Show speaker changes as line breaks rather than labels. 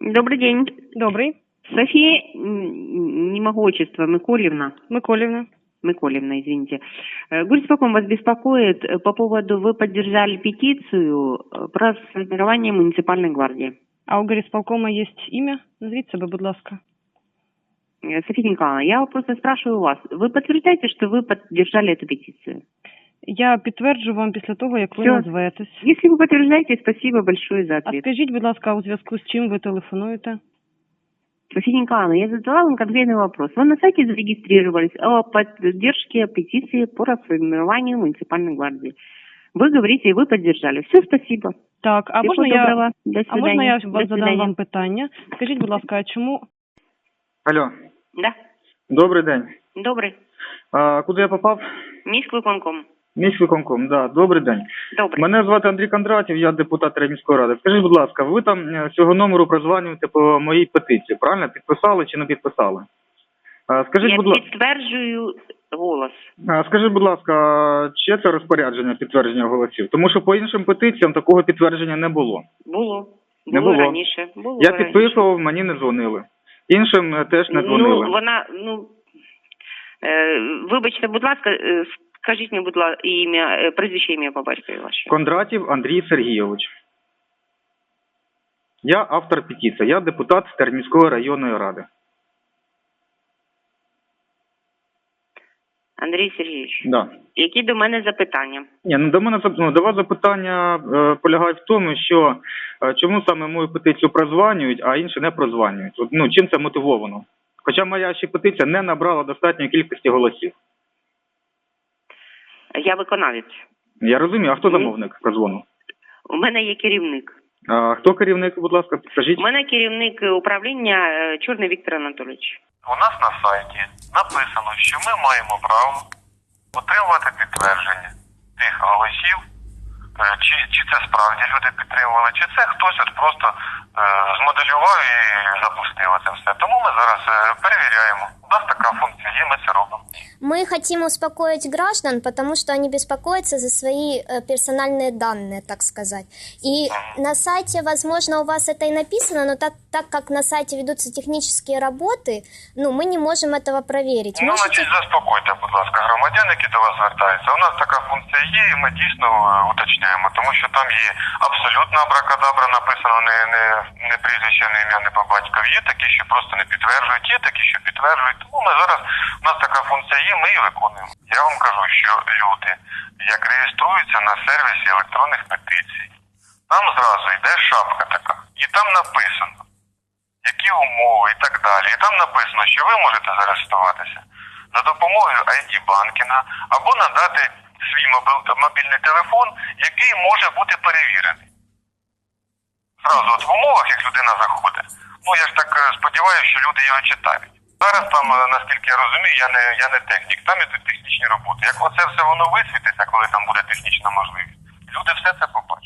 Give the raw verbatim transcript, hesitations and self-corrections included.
Добрый день.
Добрый.
София, м, не могу отчество, Миколевна.
Миколевна.
Миколевна, извините. Э, Горисполком вас беспокоит э, по поводу, вы поддержали петицию э, про сформирование муниципальной гвардии.
А у горисполкома есть имя? Назвіть себе, будь ласка.
Э, София Николаевна, я просто спрашиваю вас, вы подтверждаете, что вы поддержали эту петицию?
Я підтверджу вам після того, як ви
Всё.
назветесь.
Если вы подтверждаете, спасибо большое за
А
ответ.
скажіть, будь ласка, у зв'язку з чим ви телефонуєте?
София Николаевна, я задала вам конкретный вопрос. Вы на сайте зарегистрировались о поддержке петиции по расформированию муниципальной гвардии. Вы говорите, и вы поддержали. Все, спасибо.
Так, а
Всего
можна я,
доброго. До
а можна я
свидания.
вас
До
задам
свидания.
вам питання? Скажіть, будь ласка, а чому
Алло,
Да,
добрий день.
добрый.
А, куди я попав?
Міськвиконком.
Міськвиконком, да, добрий день.
Добрий.
Мене звати Андрій Кондратів, я депутат міської ради. Скажіть, будь ласка, ви там е, з цього номеру прозванюєте по моїй петиції, правильно? Підписали чи не підписали? А, скажіть,
Я
будь ласка,
підтверджую голос.
а, скажіть, будь ласка, чи це розпорядження підтвердження голосів? Тому що по іншим петиціям такого підтвердження не було.
Було.
Не
Було
було.
раніше. Було
Я
раніше.
підписував, мені не дзвонили. Іншим е, теж не дзвонили.
Ну, вона, ну, е, вибачте, будь ласка, е, скажіть мені, будь ласка, ім'я, е, прізвище, ім'я по батькові ваше.
Кондратів Андрій Сергійович. Я автор петиції, я депутат Терміської районної ради.
Андрій Сергійович,
Да.
які до мене запитання?
Ні, ну до мене зап- ну, до вас запитання е, полягає в тому, що е, чому саме мою петицію прозванюють, а інші не прозванюють. От, ну, чим це мотивовано? Хоча моя ще петиція не набрала достатньої кількості голосів.
Я виконавець.
Я розумію, а хто
Ні.
замовник прозвону?
У мене є керівник.
А хто керівник, будь ласка, підкажіть?
У мене керівник управління е, Чорний Віктор Анатолійович.
У нас на сайті написано, що ми маємо право отримувати підтвердження тих голосів, е, чи, чи це справді люди підтримували, чи це хтось от просто е, змоделював і запустив це все. Тому ми зараз е, перевіряємо. У нас така функція є, ми це робимо.
Мы хотим успокоить граждан, потому что они беспокоятся за свои э, персональные данные, так сказать. И на сайте, возможно, у вас это и написано, но так, так как на сайте ведутся технические работы, ну, мы не можем этого проверить.
Ну,
Можете...
значить, заспокойте, будь ласка, громадян, які до вас звертаються. У нас така функція є, і ми дійсно е, уточняємо, тому що там є абсолютно абракадабра написано, не, не, не прізвище, не ім'я, не по батькові. Є такі, що просто не підтверджують, є такі, що підтверджують. Тому ми зараз, у нас така функція є, ми її виконуємо. Я вам кажу, що люди, як реєструються на сервісі електронних петицій, там зразу йде шапка така, і там написано, які умови і так далі. І там написано, що ви можете зареєструватися за допомогою ай ді-банкінга або надати свій мобіль, мобільний телефон, який може бути перевірений. Зразу от в умовах, як людина заходить. Ну, я ж так е, сподіваюся, що люди його читають. Зараз там, е, наскільки я розумію, я не, я не технік, там ідуть технічні роботи. Як оце все воно висвітиться, коли там буде технічна можливість, люди все це побачать.